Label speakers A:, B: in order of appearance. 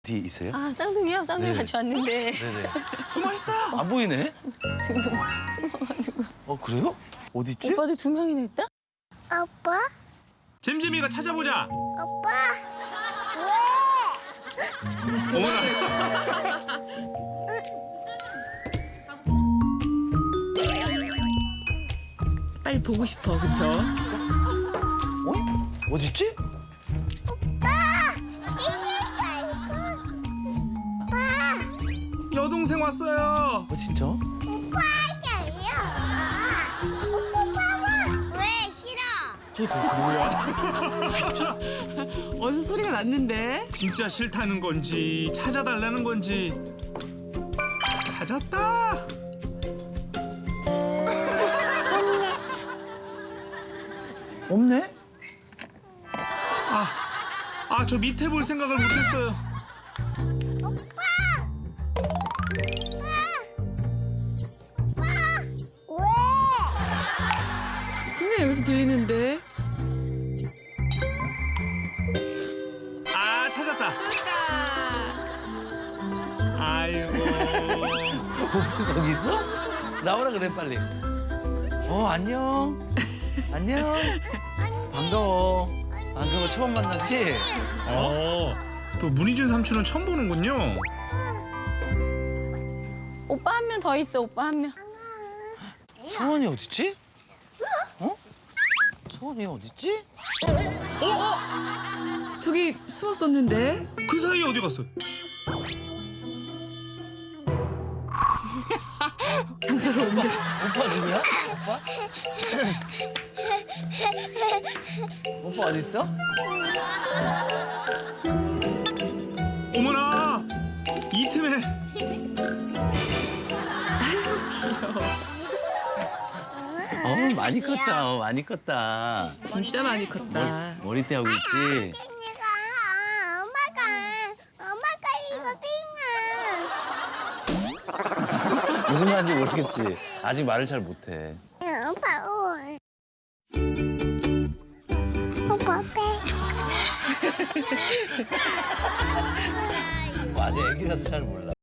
A: 어디 있어요?
B: 아, 쌍둥이요? 쌍둥이
A: 네.
B: 같이 왔는데
A: 네네.
C: 숨어 있어.
A: 안 보이네?
B: 지금 숨어가지고.
A: 그래요? 어디 있지?
B: 오빠도 2명이나 있다?
D: 아빠?
C: 잼잼이가 찾아보자.
D: 아빠?
C: 어머나.
B: 빨리 보고 싶어, 그쵸?
A: 어? 어디 있지?
C: 여동생 왔어요.
A: 진짜?
D: 왜 싫어?
B: 어디서 소리가 났는데?
C: 진짜 싫다는 건지 찾아달라는 건지. 찾았다.
A: 없네?
C: 저 밑에 볼 생각을 못했어요.
D: 왜?
B: 분명 여기서 들리는데?
C: 찾았다. 아이고.
A: 거기 있어? 나오라 그래 빨리. 안녕. 안녕. 반가워. 반가워. 처음 만났지?
C: 또 문희준 삼촌은 처음 보는군요.
B: 오빠 한 명 더 있어, 오빠 한 명.
A: 성원이 어딨지? 어? 성원이 어딨지?
B: 저기 숨었었는데?
C: 그 사이에 어디 갔어?
B: 장소로 옮겼어.
A: 오빠 누구야? 오빠? 오빠 어디 있어?
C: 어머나. 이 틈에.
A: 많이 컸다. 많이 컸다.
B: 진짜 많이 컸다.
A: 머리띠 하고 있지?
D: 엄마가
A: 무슨 말인지 모르겠지. 아직 말을 잘 못해.
D: 오빠 올. 오빠 빼.
A: 아직 애기라서 잘 몰라.